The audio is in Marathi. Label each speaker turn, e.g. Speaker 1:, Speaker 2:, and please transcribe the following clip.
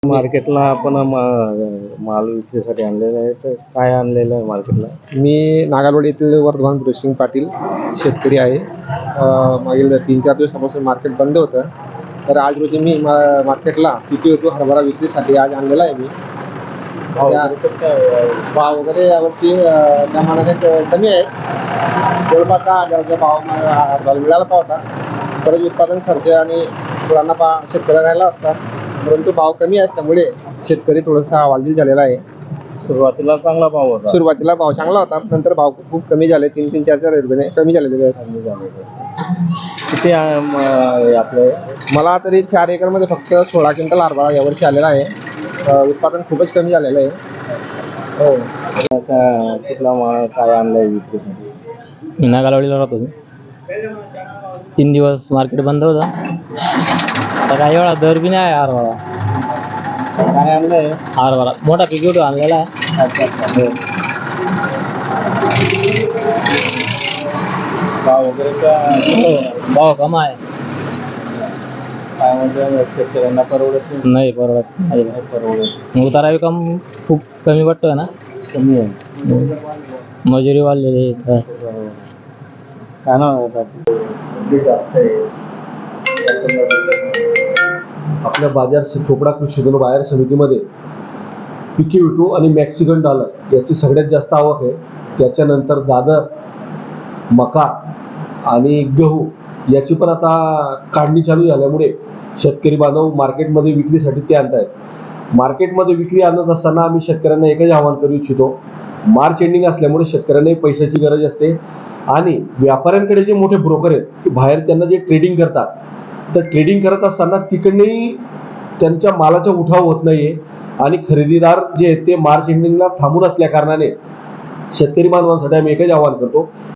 Speaker 1: मार्केटला आपण माल विक्रीसाठी आणलेला आहे, तर काय आणलेलं आहे मार्केटला?
Speaker 2: मी नागालवाडी येथील वर्धमान भृसिंग पाटील शेतकरी आहे. मागील 3-4 दिवसापासून मार्केट बंद होतं. तर आज रोजी मी मार्केटला PQ हरभरा विक्रीसाठी आज आणलेला आहे. मी भाव वगैरे यावर्षी त्या मानाने कमी आहे. जवळपास 10,000चा भाव हरभरा मिळाला होता. परत उत्पादन खर्च आणि मुलांना शेतकऱ्याला राहिला असता, परंतु भाव कमी असल्यामुळे शेतकरी थोडासा हवालदिल झालेला आहे.
Speaker 1: सुरुवातीला चांगला भाव होता.
Speaker 2: सुरुवातीला भाव चांगला होता, नंतर भाव खूप कमी झाले. 3-3, 4-4 रुपये कमी झालेले आहेत.
Speaker 1: किती आपले?
Speaker 2: मला तरी 4 एकरमध्ये फक्त 16 क्विंटल हरभरा यावर्षी आलेला आहे. उत्पादन खूपच कमी झालेलं आहे. हो.
Speaker 1: कुठला माल काय आणलाय विक्रीसाठी?
Speaker 3: नागालवाडीला राहतो मी. 3 दिवस मार्केट बंद होतं. आता काही वेळा दर बी नाही आहे हरभरा.
Speaker 1: काय आणलंय?
Speaker 3: हरभरा मोठा PQ आणलेला आहे.
Speaker 1: भाव वगैरे
Speaker 3: भाव कमी आहे.
Speaker 1: काय म्हणजे शेतकऱ्यांना परवडत
Speaker 3: नाही परवडत.
Speaker 1: नाही परवडत.
Speaker 3: उतारा बी खूप कमी पडतोय ना.
Speaker 1: कमी आहे.
Speaker 3: मजुरी वाढलेली आहे.
Speaker 1: काय नाव आहे? जास्त आहे.
Speaker 4: आपल्या बाजार चोपडा कृषी उत्पन्न बाजार समितीमध्ये PQ आणि मेक्सिकन डॉलर याची सगळ्यात जास्त आवक आहे. त्याच्यानंतर दादर, मका आणि गहू याची पण आता काढणी चालू झाल्यामुळे शेतकरी बांधव मार्केटमध्ये विक्रीसाठी ते आणत आहेत. मार्केटमध्ये विक्री आणत असताना आम्ही शेतकऱ्यांना एकच आवाहन करू इच्छितो. मार्च एंडिंग असल्यामुळे शेतकऱ्यांनाही पैशाची गरज असते आणि व्यापाऱ्यांकडे जे मोठे ब्रोकर आहेत की बाहेर त्यांना जे ट्रेडिंग करतात, तर ट्रेडिंग करत असताना तिकडनंही त्यांच्या मालाचा उठाव होत नाहीये आणि खरेदीदार जे आहेत ते मार्च एंडिंगला थांबून असल्या कारणाने शेतकरी बांधवांसाठी आम्ही एकच आवाहन करतो